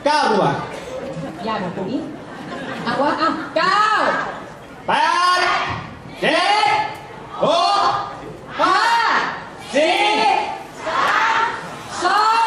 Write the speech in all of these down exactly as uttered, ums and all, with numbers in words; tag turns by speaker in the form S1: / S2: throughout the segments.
S1: เก้าดีกว่า
S2: ยากกว่าตรงนี้อ่ะว่าอ่ะเก้า
S1: แปดเจ็ดหกห้าสี่
S2: สามสอง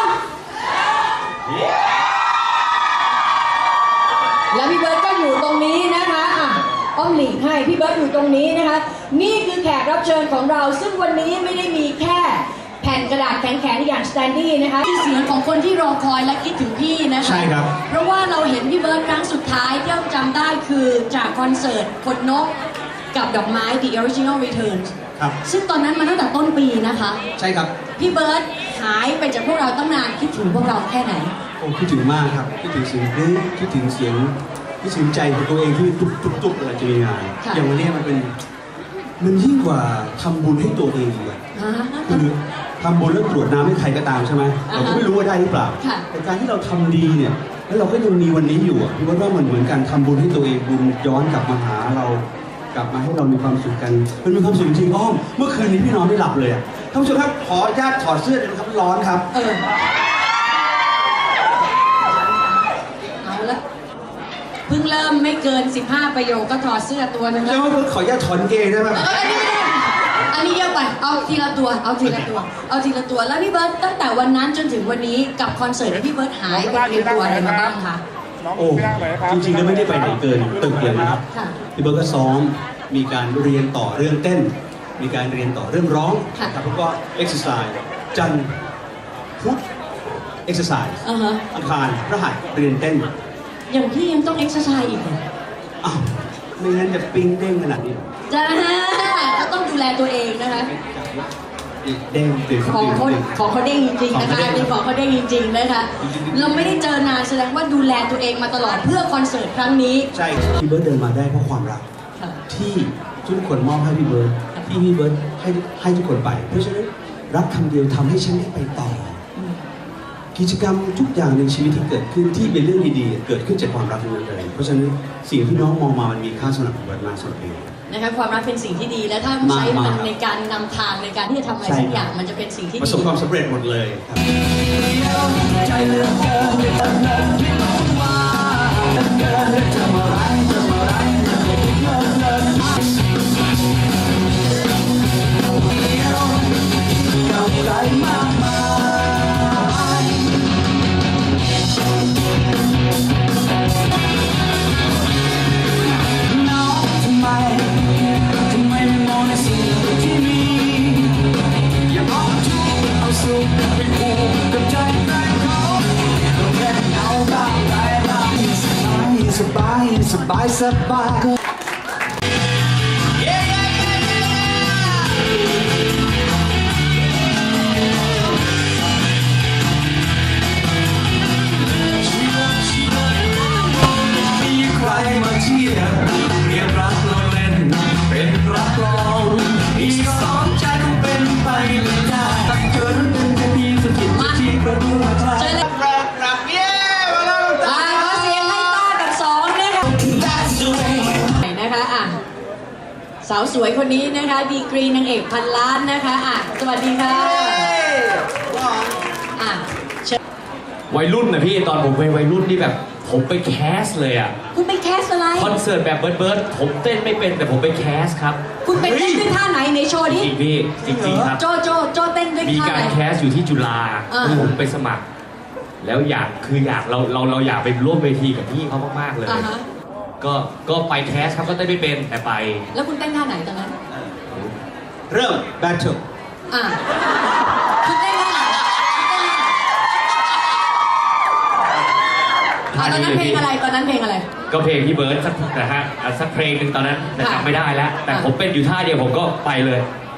S2: แล้วพี่เบิร์ดก็อยู่ตรงนี้นะคะอ่ะอ้อมหลีกให้พี่เบิร์ดอยู่ตรงนี้นะคะนี่คือแขกรับเชิญของเราซึ่งวันนี้ไม่ได้มีแค่แผ่นกระดาษแข็งๆอย่างสแตนดี้นะคะที่เสียงของคนที่รอคอยและคิดถึงพี่นะคะ
S1: ใช่ครับ
S2: เพราะว่าเราเห็นพี่เบิร์ดครั้งสุดท้ายที่เราจำได้คือจากคอนเสิร์ตคนนกกับดอกไม้ The Original Returns
S1: ครับ
S2: ซึ่งตอนนั้นมาตั้งแต่ต้นปีนะคะ
S1: ใช่ครับ
S2: พี่เบิร์ดหายไปจากพวกเราตั้งนานคิดถึงพวกเราแค่ไหน
S1: โอ้คิดถึงมากครับคิดถึงเสียงเพลงคิดถึงเสียงคิดถึงใจของตัวเองที่ตุ๊บตุ๊บตุ๊บเวลาจะมีงาน
S2: ค่ะ
S1: อย่างวันนี้มันเป็นมันยิ่งกว่าทำบุญให้ตัวเองอีกอะ
S2: ฮะ
S1: คือทำบุญแล้วกรวดน้ำให้ใครก็ตามใช่ไหม
S2: อ่าฮะ
S1: เราก็ไม่รู้ว่าได้หรือเปล่า
S2: ค่ะ
S1: แต่การที่เราทำดีเนี่ยแล้วเราก็ยังมีวันนี้อยู่อะพี่ว่าว่ามันเหมือนการทำบุญให้ตัวเองบุญย้อนกลับมาหาเรากลับมาให้เรามีความสุขกันมันมีความสุขจริงๆอ้อมเมื่อคืนนี้พี่นอนไม่หลับเลยอะท่านผู้ชมครับขออนุญาตถอดเสื้อเลยนะครับร้อนครับ
S2: เออเอาละเพิ่งเริ่มไม่เกินสิบห้าประโยคก็ถอดเสื้อตัวนึงแล้
S1: แล้ว วขออนุญาตถอนเกงได้ไหม
S2: เอออันนี้ไม่ได้อันนี้เยอะไป เอาทีละตัว เอาทีละตัว เอาทีละตัว แล้วพี่เบิร์ตตั้งแต่วันนั้นจนถึงวันนี้กับคอนเสิร์ตที่พี่เบิร์ตหายไปเตรียมตัวอะไรมาบ้างคะ
S1: โอ้จริงๆแล้วไม่ได้ไปไหนเกินตึกเลยนะครับ
S2: ค่ะ
S1: พี่เบิร์ตก็ซ้อมมีการเรียนต่อเรื่องเต้น มีการเรียนต่อเรื่องร้อง
S2: ค่ะ
S1: ครับแล้วก็เอ็กซ์ไซส์จันทร์พุธเอ็กซ์ไซส์
S2: อ่าฮะ
S1: อังคารพฤหัสเรียนเต้น
S2: อย่างพี่ยังต้องเอ็กซ์ไซส์อีกเหรอ
S1: อ้าวไม่งั้นจะปิ้งเด้งขนาดนี้หรอ
S2: จ้าก็ต้องดูแลตัวเองนะคะ
S1: เด้งตื่น
S2: ของ
S1: ตื่น
S2: เขา
S1: ตื่น
S2: ของเขาเด้งจริงๆนะคะมีของเขาเด้งจริงๆนะคะ เราไม่ได้เจอนานแสดงว่าดูแลตัวเองมาตลอดเพื่อคอนเสิร์ตครั้งนี้
S1: ใช่พี่เบิร์ตเดินมาได้เพราะความรัก
S2: ค่ะ
S1: ที่ทุกคนมอบให้พี่เบิร์ตที่พี่เบิร์ตให้ให้ทุกคนไป เพราะฉะนั้นรักคำเดียวทำให้ฉันได้ไปต่อ กิจกรรมทุกอย่างในชีวิตที่เกิดขึ้นที่เป็นเรื่องดีๆเกิดขึ้นจากความรักทั้งนั้นเลยเพราะฉะนั้นสิ่งที่น้องมองมามันมีค่าสำหรับผมมากสำหรับเอง
S2: นะคะความรักเป็นสิ่งที่ดีและถ้าใช้มันในการนำทางในการที่จะทำอะไรสักอย่างมันจะเป็นสิ่งที่
S1: ประ
S2: ดี
S1: สบความสำเร็จหมดเลยครับสบายสบายสบายใครมาเชียร์เรียกรักเราเล่นเป็นรักลองอีกสองใจคงเป็นไปไม่ได้ตั้งเกิดเป็นแค่เพียงสกิดที่ประตูหัวใจ
S2: เจอเลย
S1: รักรักเย้มาแล้ว
S2: อ่าขอเสียงให้ต้ากับสองนะคะนะคะอ่ะสาวสวยคนนี้นะคะดีกรีนางเอกพันล้านนะคะอ่ะสวัสดีค่ะอ่ะเชิญ
S3: วัยรุ่นนะพี่ตอนผมเป็นวัยรุ่นนี่แบบ ผมไปแคสเลยอ่ะ
S2: คุณไปแคสอะไร
S3: คอนเสิร์ตแบบเบิร์ดเบิร์ดผมเต้นไม่เป็นแต่ผมไปแคสครับ
S2: คุณไปเต้นด้วยท่าไหนในโชว์
S3: จ
S2: นี้
S3: ริงๆพี่จริงๆครับ
S2: โจโจโจเต้นด้วย
S3: มี
S2: ท่า
S3: การ
S2: ไหน
S3: แคสอยู่ที่จุฬา
S2: อ่า
S3: ผมไปสมัคร แล้วอยากคืออยากเราเราเราอยากไปร่วมเวทีกับพี่เขามากๆเลย
S2: อ่าฮะ
S3: ก็ก็ไปแคสครับก็เต้นไม่เป็นแต่ไป
S2: แล้วคุณเต้นท่าไหนตอนนั้น
S1: เริ่ม battle
S2: อ่ะคุณเต้นท่าไหนอ่ะตอนนั้นเพลงอะไรตอนนั้นเพลงอะไร
S3: ก็เพลงพี่เบิร์ดสักนะฮะอ่ะสักเพลงหนึ่งตอนนั้นแต่
S2: ค่ะ
S3: จำไม่ได้แล้ว แต่
S2: ค่ะ
S3: ผมเป็นอยู่ท่าเดียวผมก็ไปเลย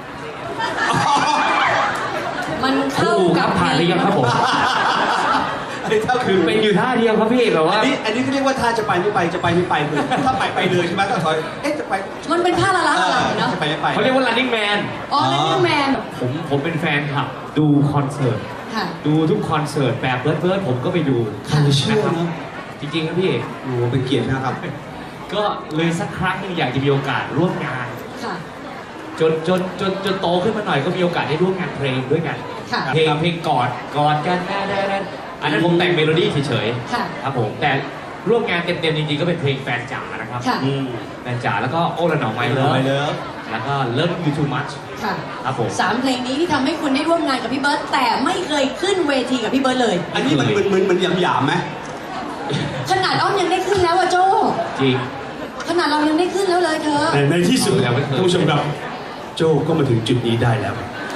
S2: มัน
S3: ครู
S2: เข้า
S3: ค
S2: กั
S3: รั
S2: บบ
S3: ผ่านหรือยังครับผม
S1: อันนี้ถ้า
S3: คือเป็นอยู่ท่าเดียวครับพี่แบบว่า
S1: อันนี้อันนี้เขาเรียกว่าถ้าจะไปไม่ไปจะไปไม่ไปคือถ้าไปไปเลยใช่ไหมต้องถอยเอ๊ะจะไป
S2: มันเป็นท่าละละละเนาะ
S1: จะไปไม่ไป
S3: เขาเรียกว่า running man
S2: อ๋อนั่นคือแมน
S3: ผมผมเป็นแฟนคลับดูคอนเสิร์ต
S2: ค่ะ
S3: ดูทุกคอนเสิร์ตแบบเบิร์ดเบิร์ดผมก็ไปดู
S1: ใครจะเชื่อเนอะ
S3: จริงๆครับพี่
S1: โอ้โหเป็นเกียรตินะครับ
S3: ก็เลยสักครั้งหนึงอยากจะมีโอกาสร่วมงาน
S2: ค่ะ
S3: จนจนจนจนโตขึ้นมาหน่อยก็มีโอกาสได้ร่วมงานเพลงด้วยกัน
S2: ค่ะ
S3: เพลงเพลงกอดกอดกันแน่แน่แน่อันนั้นผมแต่งเมโลดี้เฉย
S2: ค่ะ
S3: ๆครับผมแต่ร่วมงานเต็มๆจริงๆก็เป็นเพลงแฟนจ๋านะครับ
S2: ค่ะ
S1: อืม
S3: แฟนจ๋าแล้วก็โอ้ละหนองไมเลิฟ
S1: ไปเลย
S3: แล้วก็เลิฟยูทูมัช
S2: ค่ะ
S3: ครับผม
S2: สามเพลงนี้ที่ทำให้คุณได้ร่วมงานกับพี่เบิร์ตแต่ไม่เคยขึ้นเวทีกับพี่เบิร์ตเลย
S1: อันนี้มันมันมันมันหยาบๆไหม
S2: ขนาดอ้อมยังได้ขึ้นแล้วอะโจ
S3: จริง
S2: ขนาดเรายังได้ขึ้นแล้วเลยเธอ
S1: ในในที่สุด
S3: ยังไม่เคย
S1: ท่านผู้ชมครับโจก็มาถึงจุดนี้ได้แล้ว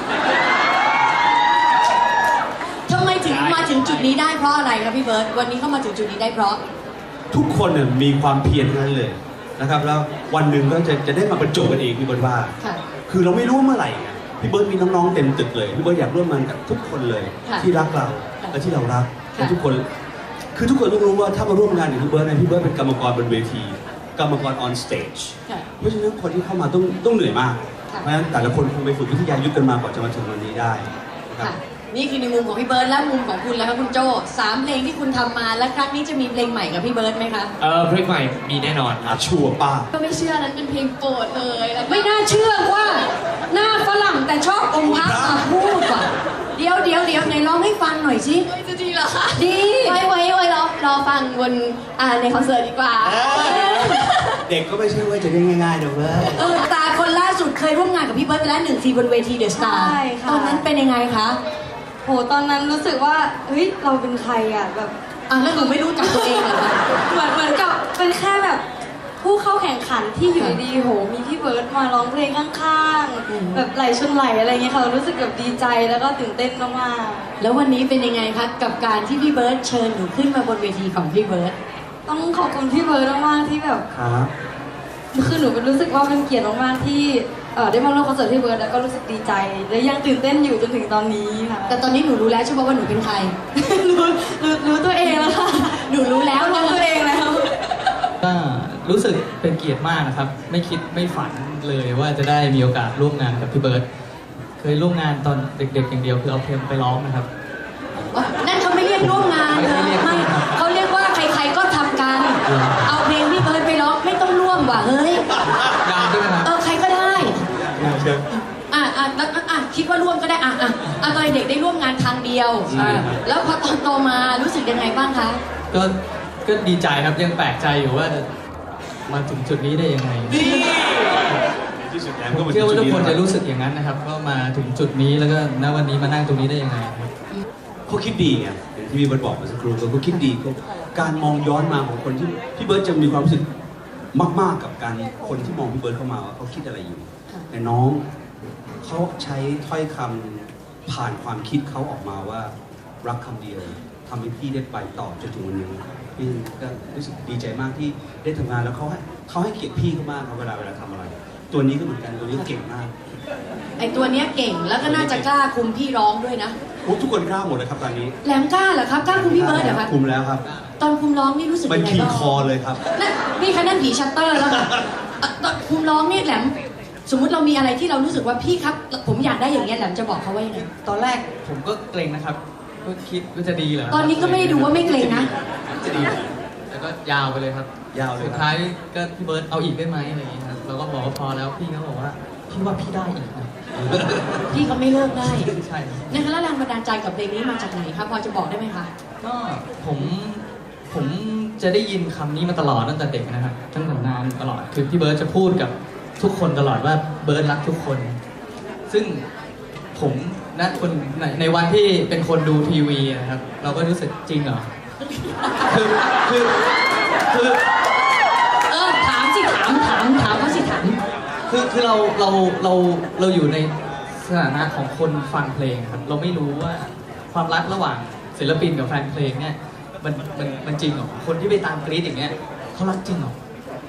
S2: ทำไมถึงมาถึงจุดนี้ได้เพราะอะไรครับพี่เบิร์ตวันนี้เข้ามาถึงจุดนี้ได้เพราะ
S1: ทุกคนเนี่ยมีความเพียรทั้งนั้นเลยนะครับแล้ววันหนึ่งก็จะจะได้มาบรรจบกันเองพี่เบิร์ตว่า
S2: ค่ะ
S1: คือเราไม่รู้ว่าเมื่อไหร่ไงพี่เบิร์ตมีน้องๆเต็มตึกเลยพี่เบิร์ตอยากร่วมงานกับทุกคนเลย
S2: ค่ะ
S1: ที่รักเรา
S2: ค่ะ
S1: และที่เรารัก
S2: ค่ะ
S1: และทุกคน คือทุกคนต้องรู้ว่าถ้ามาร่วมงานกับพี่เบิร์ตเนี่ยพี่เบิร์ตเป็นกรรมกรบนเวที กรรมกร on stage
S2: ค่ะ
S1: เพราะฉะนั้นคนที่เข้ามาต้องต้องเหนื่อยมาก
S2: ค่ะ
S1: เพราะฉะนั้นแต่ละคนคงไปฝึกวิทยายุทธกันมากว่าจะมาถึงวันนี้ได้นะครับ
S2: ค่ะ นี่คือในมุมของพี่เบิร์ตและมุมของคุณแล้วครับคุณโจสามเพลงที่คุณทำมาและครั้งนี้จะมีเพลงใหม่กับพี่เบิร์ตไหมคะ
S3: เออเพลงใหม่มีแน่นอนค
S1: อา
S3: รับ
S1: ชัวร์ป้า
S4: ก็ไม่เชื่อนั้นเป็นเพลงโปรดเลยแล้ว
S2: ไม่น่าเชื่อว่าหน้าฝรั่งแต่ชอบองค์พระมาพูดว่ะเดี๋ยวเดี๋ยวเดี๋ยวไหนร้องให้ฟังหน่อยสิ
S4: จะดีเหรอคะ
S2: ดี
S4: ไว้ไว้ไว้รอรอฟังบนอ่าในคอนเสิร์ตดีกว่า
S1: เด็กก็ไม่ใช่ว่าจะได้ง่ายๆนะเว้ย
S2: เออตาคนล่าสุดเคยร่วมงานกับพี่เบิร์ตไปแล้วหนึ่งทีบนเวทีเดอะสตาร์
S5: ใช่ค่ะ
S2: ตอนนั้นเป็นยังไงคะ
S5: โหตอนนั้นรู้สึกว่าเฮ้ยเราเป็นใครอ่ะแบบ
S2: อ่ะแล้วหนูไม่รู้จักตัวเองเหรอคะ
S5: เหมือนเหมือนกับเป็นแค่แบบผู้เข้าแข่งขันที่อยู่ดีๆโหมีพี่เบิร์ดมาร้องเพลงข้างๆแบบไหลชนไหลอะไรเงี้ยค่ะรู้สึกแบบดีใจแล้วก็ตื่นเต้นมาก
S2: แล้ววันนี้เป็นยังไงคะกับการที่พี่เบิร์ตเชิญหนูขึ้นมาบนเวทีของพี่เบิร์ต
S5: ๆต้องขอบคุณพี่เบิร์ดมากๆที่แบบ
S1: ครับ
S5: คือหนูเป็นรู้สึกว่าเป็นเกียรติมากๆที่เอ่อได้มาร่วมคอนเสิร์ตพี่เบิร์ดแล้วก็รู้สึกดีใจ และยังตื่นเต้นอยู่จนถึงตอนนี้ค่ะ
S2: แต่ตอนนี้หนูรู้แล้วใช่ไหมว่าหนูเป็นใคร
S5: รู้รู้รู้ตัวเองแล้วค่ะ
S2: หนูรู้แล้ว
S5: รู้
S2: นะ
S5: ตัวเองแล้ว
S6: ก็รู้สึกเป็นเกียรติมากนะครับ ไม่คิดไม่ฝันเลยว่าจะได้มีโอกาสร่วมงานกับพี่เบิร์ตเคยร่วมงานตอนเด็กๆอย่างเดียวคือเอาเพลงไปร้องนะครับ
S2: นั่นเขาไม่เรียกร่วมงานเธอ
S6: ไม่เรียก
S2: ไม่เขาเรียกว่าใครๆก็ทำกัน เอาเพลงพี่เบิร์ตไปร้องไม่ต้องร่วมว่ะเฮ้ย
S6: งานด้วยนะครับ
S2: เออใครก็ได้
S1: เชิญ
S2: อ่ะอ่ะแล้วอ่ะคิดว่าร่วมก็ได้อ่ะอ่ะอ่ะตอนเด็กได้ร่วมงานทางเดียว
S6: ใช่ครับ
S2: แล้วพอตอนโตมารู้สึกยังไงบ้างคะ
S6: ก็ก็ดีใจครับยังแปลกใจอยู่ว่าจะมาถึงจุดนี้ได้ยังไง
S1: ที่สุดแล้ว
S6: ผมเชื่อว่าทุกคนจะรู้สึกอย่างนั้นนะครับว่ามาถึงจุดนี้แล้วก็ณวันนี้มานั่งตรงนี้ได้ยังไงครับ
S1: เขาคิดดีไงอย่างที่พี่เบิร์ตบอกเมื่อสักครู่เขาคิดดีเขาการมองย้อนมาของคนที่พี่เบิร์ตจะมีความรู้สึกมากๆกับการคนที่มองพี่เบิร์ตเข้ามาว่าเขาคิดอะไรอยู่ แต่น้องเขาใช้ถ้อยคำผ่านความคิดเขาออกมาว่ารักคำเดียวทำให้พี่ได้ไปต่อจนถึงวันนี้พี่ก็รู้สึกดีใจมากที่ได้ทำงานแล้วเขาให้เขาให้เกียรติพี่เขามากครับเวลาเวลาทำอะไร ตัวนี้ก็เหมือนกันตัวนี้ก็เก่งมาก
S2: ไอตัวเนี้ยเก่งแล้วก็น่าจะกล้าคุมพี่ร้องด้วยนะ
S1: โอ้ทุกคนกล้าหมดเลยครับตอนนี้
S2: แหลมกล้าเหรอครับกล้าคุมพี่เบิร์ดเหรอครับ
S1: คุมแล้วครับ
S2: ตอนคุมร้องนี่รู้สึก
S1: มัน
S2: ยังไง
S1: ขี่
S2: บ้าง
S1: คอเลยครับ
S2: นั่นนี่คะนั่นผีชัตเตอร์แล้วค่ะอ่ะตอนคุมร้องนี่แหลมสมมุติเรามีอะไรที่เรารู้สึกว่าพี่ครับ ผมอยากได้อย่างเงี้ยแหลมจะบอกเขาว่ายังไง
S6: ตอนแรกผมก็เกรงนะครับก็คิดว่าจะดีเหรอ
S2: ตอนนี้ก็ไม่ได้ดูว่าไม่เกรงนะ
S1: จะดี
S6: แล้วก็ยาวไปเลยครับ
S1: ยาวเลย
S6: สุด
S1: ครับ
S6: ท้ายก็พี่เบิร์ตเอาอีกได้ไหมอะไรอย่างเงี้ยครับเราก็บอกว่าพอแล้วพี่เขาบอกว่าพี่ว่าพี่ได้อีกนะ
S2: พี่เขาไม่เลิกได้
S6: ใช่ครับ
S2: นะคะแล้วแรงบันดาลใจกับเพลงนี้มาจากไหนครับพอจะบอกได้ไหมคะ
S6: ก็ผมผมจะได้ยินคำนี้มาตลอดตั้งแต่เด็กนะครับตั้งแต่นานตลอดคือพี่เบิร์ตจะพูดกับทุกคนตลอดว่าเบิร์ตรักทุกคน ซึ่งผมนะคนในในวันที่เป็นคนดูทีวีนะครับ เราก็รู้สึกจริงเหรอคือคือคือ
S2: เออถามสิถามถามถามเขาสิถาม
S6: คือคือเราเราเราเราอยู่ในสถานะของคนฟังเพลงครับ เราไม่รู้ว่าความรักระหว่างศิลปินกับแฟนเพลงเนี่ยมันมันมันจริงเหรอคนที่ไปตามกรี๊ดอย่างเงี้ยเขารักจริงเหรอ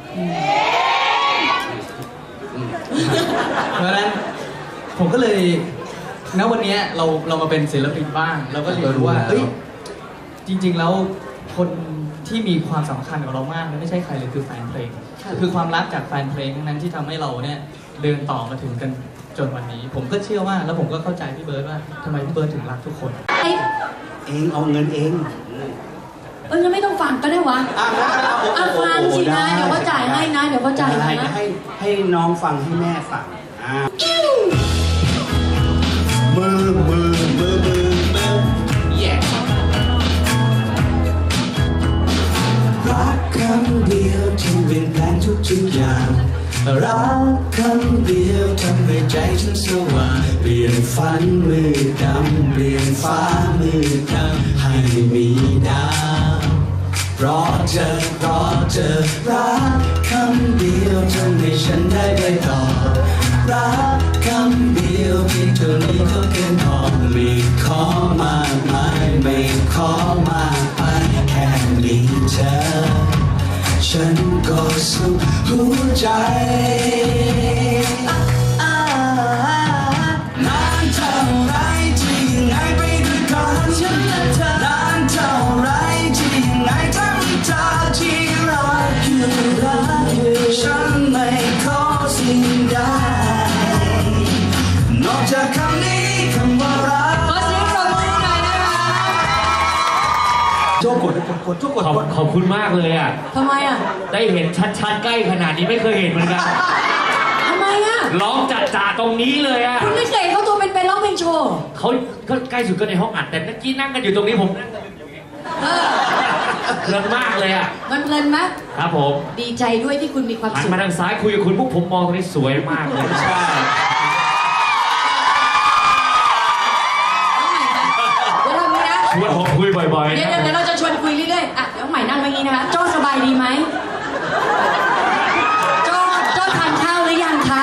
S6: เพราะฉะนั้นผมก็เลยณวันเนี้ยเราเรามาเป็นศิลปินบ้างเราก็เรียนรู้ว่าเอ้ยจริง ๆ แล้วคนที่มีความสำคัญกับเรามากไม่ใช่ใครเลยคือแฟนเพลง
S2: ค่ะ
S6: คือความรักจากแฟนเพลงทั้งนั้นที่ทำให้เราเนี่ยเดินต่อมาถึงกันจนวันนี้ ผมก็เชื่อว่าแล้วผมก็เข้าใจพี่เบิร์ดว่าทำไมพี่เบิร์ดถึงรักทุกคน
S2: ไอ้
S1: เองเอาเงินเอง
S2: เอองั้นไม่ต้องฟังก็ได้วะ
S1: อ่ะงั้นเอา
S2: อ่ะฟังสินะเดี๋ยวเขาจ่ายให้นะเดี๋ยวเขาจ่ายให้
S1: ให้
S2: นะ
S1: ให้ให้น้องฟังให้แม่ฟังอ่ามือมือมือมือมือ yeah ทุกอย่างรักคำเดียวทำให้ใจฉันสว่างเปลี่ยนฝันมืดดำเปลี่ยนฟ้ามืดดำให้มีดาวเพราะเธอเพราะเธอรักคำเดียวทำให้ฉันได้ไปต่อรักคำเดียวเพียงเท่านี้ก็เกินพอไม่ขอมากมายไม่ขอมากไปแค่มีเธอฉันก็สุขหัวใจนานเท่าไรที่ยังไงไปด้วยกันฉันและเธอนานเท่าไรที่ยังไงถ้ามีเธอที่รักอยู่รักอยู่ฉันไม่ขอสิ่งใดนอกจากคำนี้คำว่ารัก
S2: ขอเสียงปรบมือหน่อยนะคะ
S1: โจ้กดกดกดโจ้กด
S3: ขอบ
S1: กด
S3: ขอบคุณมากเลยอ่ะ
S2: ทำไมอ่ะ
S3: ได้เห็นชัดๆใกล้ขนาดนี้ไม่เคยเห็นเหมือนกัน
S2: ทำไมอ่ะ
S3: ร้องจัดจ่าตรงนี้เลยอ่ะ
S2: คุณไม่เคยเห็นเขาตัวเป็นๆร้องเพลงโชว์
S3: เขาก็ใกล้สุดก็ในห้องอัดแต่เมื่อกี้นั่งกันอยู่ตรงนี้ผมนั่งกันอยู่
S2: เออ
S3: เพลินมากเลยอ่ะ
S2: มันเพลินไหม
S3: ครับผม
S2: ดีใจด้วยที่คุณมีความ
S3: หัน
S2: สุข
S3: มาทางซ้ายคุยกับคุณพวกผมมองตรงนี้สวยมากเลยใช่
S2: เอาใหม่นะเดี๋ยวเรามีนะ
S3: ชวนผมคุยบ่อยๆ
S2: เดี๋ยว
S3: นะ
S2: เดี๋ยวเราจะชวนคุยเรื่อยๆ อ่ะ เดี๋ยวใหม่นั่งเมื่อกี้นะคะ โจ้สบายดีไหม โจ้โจ้ทานข้าวหรือยังคะ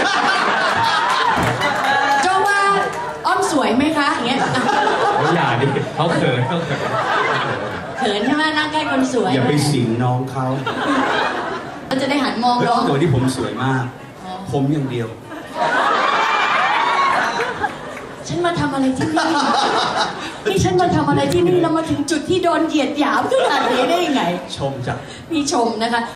S2: โจ้ว่าอ้อมสวยไหมคะ อย่างเงี้ยอ่ะ
S3: เขาอย่าดิเขาเขินเขาเขิน
S2: เขินใช่ไหมนั่งใกล้คนสวย
S1: อย่าไปสิงน้องเขา
S2: เราจะได้หันมอง
S1: เพ
S2: น้อ
S1: ราะ
S2: ง
S1: ตัวที่ผมสวยมาก ผมอย่างเดียว
S2: ฉันมาทำอะไรที่นี่ นี่ฉันมาทำอะไรที่นี่แล้วมาถึงจุดที่โดนเหยียดหยามขนาดนี้ได้ยังไง
S1: ชมจาก
S2: พี่ชมนะคะ